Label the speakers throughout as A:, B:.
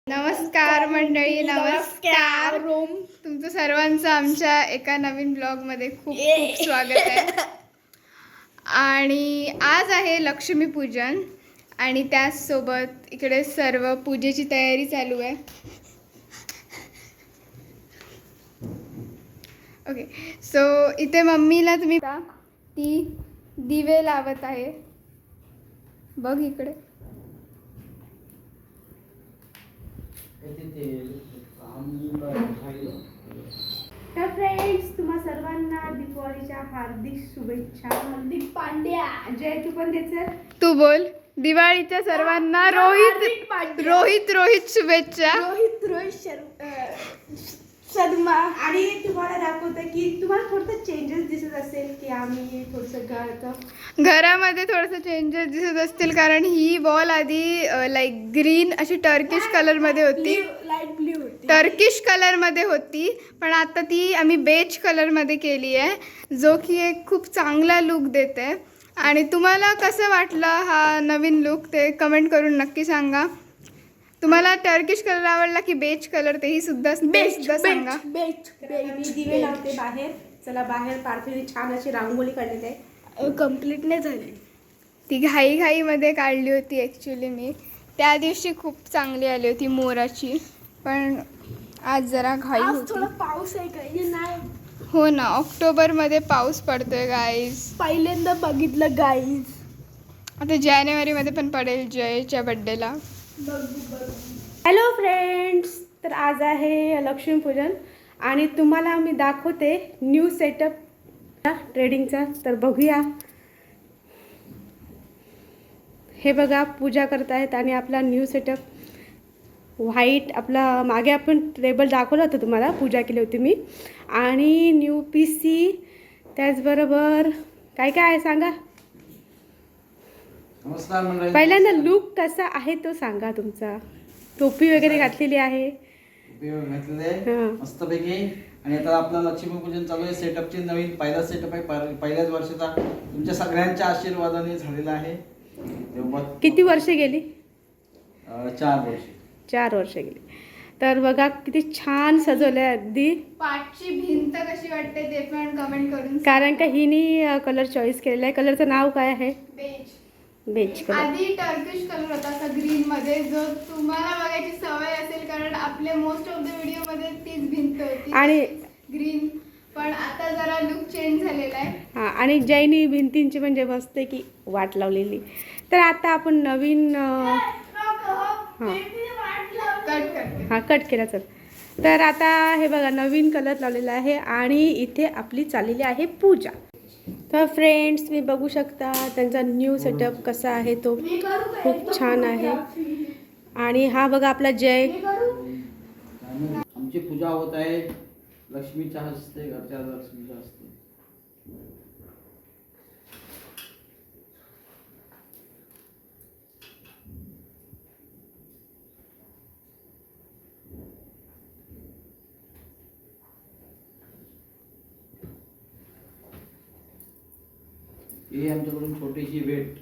A: नमस्कार मंडळी, नमस्कार. तुमचं सर्वांचं आमच्या एका नवीन ब्लॉगमध्ये खूप खूप स्वागत आहे. आणि आज आहे लक्ष्मीपूजन आणि त्याचसोबत इकडे सर्व पूजेची तयारी चालू आहे. ओके, सो इथे मम्मीला तुम्ही ती दिवे लावत आहे. बघ इकडे.
B: तर फ्रेंड्स, तुम्हा सर्वांना दिवाळीच्या हार्दिक शुभेच्छा. हार्दिक पांड्या जय. तू पण द्यायचं.
A: तू बोल. दिवाळीच्या सर्वांना रोहित शुभेच्छा.
B: शर्मा. आणि तुम्हाला दाखवतं की तुम्हाला थोडंसं चेंजेस दिसत असेल की आम्ही थोडंसं
A: घरामध्ये थोडंसं चेंजेस दिसत असतील, कारण ही वॉल आधी लाईक ग्रीन अशी टर्किश कलरमध्ये होती,
B: लाईट ब्ल्यू होती,
A: टर्किश कलरमध्ये होती, पण आता ती आम्ही बेज कलरमध्ये केली आहे, जो की एक खूप चांगला लुक देते. आणि तुम्हाला कसं वाटलं हा नवीन लुक ते कमेंट करून नक्की सांगा. तुम्हाला टर्किश कलर आवडला की बेज कलर, तेही सुद्धा सांगा.
B: मी दिवे लावते बाहेर. चला, बाहेर पार्थीने छान अशी रांगोळी काढलेली आहे. कम्प्लीट नाही झाली,
A: ती घाईमध्ये काढली होती ॲक्च्युली. मी त्या दिवशी खूप चांगली आली होती मोराची, पण आज जरा घाई होती.
B: थोडा पाऊस आहे काही नाही.
A: हो ना, ऑक्टोबरमध्ये पाऊस पडतोय गाईज.
B: पहिल्यांदा बघितलं गाईज.
A: आता जानेवारीमध्ये पण पडेल जयच्या बड्डेला.
B: हॅलो फ्रेंड्स, तर आज आहे लक्ष्मीपूजन आणि तुम्हाला मी दाखवते न्यू सेटअप ट्रेडिंगचा. तर बघूया. हे बघा, पूजा करत आहेत आणि आपला न्यू सेटअप व्हाईट. आपला मागे आपण टेबल दाखवलं होतं तुम्हाला, पूजा केली होती मी. आणि न्यू PC, त्याचबरोबर काय काय आहे सांगा. पहिल्यांदा लुक कसा आहे तो सांगा तुमचा. टोपी वगैरे घातलेली आहे
C: मस्तपैकी. आणि आता आपलं लक्ष्मीपूजन चालू आहे. सेटअपची नवीन पहिला सेटअप आहे, पहिल्याच वर्षाचा. तुमच्या सगळ्यांच्या आशीर्वादाने झालेला आहे.
B: किती वर्ष गेली?
C: 4
B: वर्ष गेली. तर बघा किती छान सजवलंय. अगदी
A: पाठची भिंत कशी वाटते ते पण कमेंट करून.
B: कारण का हिने कलर चॉईस केलेला आहे. कलरचं नाव काय आहे? Beige colour.
A: आधी टर्किश कलर होता असा ग्रीन मध्ये, जो तुम्हाला बघायची सवय असेल, कारण आपले मोस्ट ऑफ द व्हिडिओ मध्ये तीच भिंत होती
B: आणि
A: ग्रीन. पण आता जरा लुक चेंज झालेला आहे.
B: हां, आणि जैनी भिंतींची म्हणजे मस्त की वाट लावलेली. तर आता आपण नवीन कट केला. चल, तर आता हे बघा नवीन कलर लावलेला आहे आणि इथे आपली चाललेली आहे पूजा. तर फ्रेंड्स, मी बघू शकता त्यांचा न्यू सेटअप कसा आहे तो. खूप छान आहे. आणि हा बघा आपला जय.
C: आमची पूजा होत आहे लक्ष्मीच्या हस्ते, घरच्या लक्ष्मीच्या हस्ते. ही आमच्याकडून छोटीशी भेट.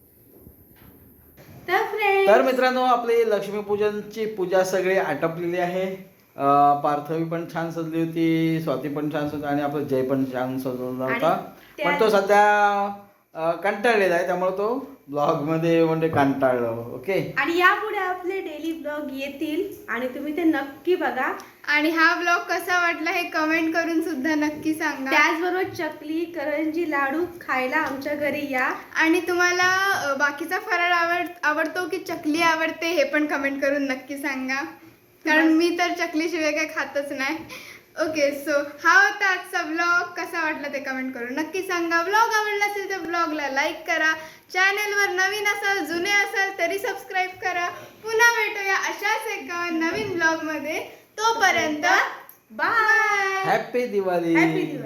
C: तर मित्रांनो, आपली लक्ष्मीपूजनची पूजा सगळी आटपलेली आहे. पार्थवी पण छान सजली होती, स्वाती पण छान सजली आणि आपला जय पण छान सजवला होता. पण तो सध्या कंटाळलेला आहे, त्यामुळे तो ब्लॉग मध्ये म्हणजे कंटाळलो. ओके.
B: आणि यापुढे आपले डेली ब्लॉग येतील आणि तुम्ही ते नक्की बघा.
A: आणि हा ब्लॉग कसा वाटला हे कमेंट करून सुद्धा नक्की सांगा.
B: त्याचबरोबर चकली, करंजी, लाडू खायला आमच्या घरी या.
A: आणि तुम्हाला बाकीचा फराळ आवडतो की चकली आवडते हे पण कमेंट करून नक्की सांगा, कारण मी तर चकलीशिवाय काही खातच नाही. ओके, सो हा होता आजचा ब्लॉग. कसा वाटला ते कमेंट करून नक्की सांगा. ब्लॉग आवडला असेल तर ब्लॉगला लाईक करा. चॅनलवर नवीन असाल, जुने असाल तरी सबस्क्राईब करा. पुन्हा भेटूया अशाच एका नवीन ब्लॉगमध्ये. तोपर्यंत बाय.
C: हॅपी दिवाळी.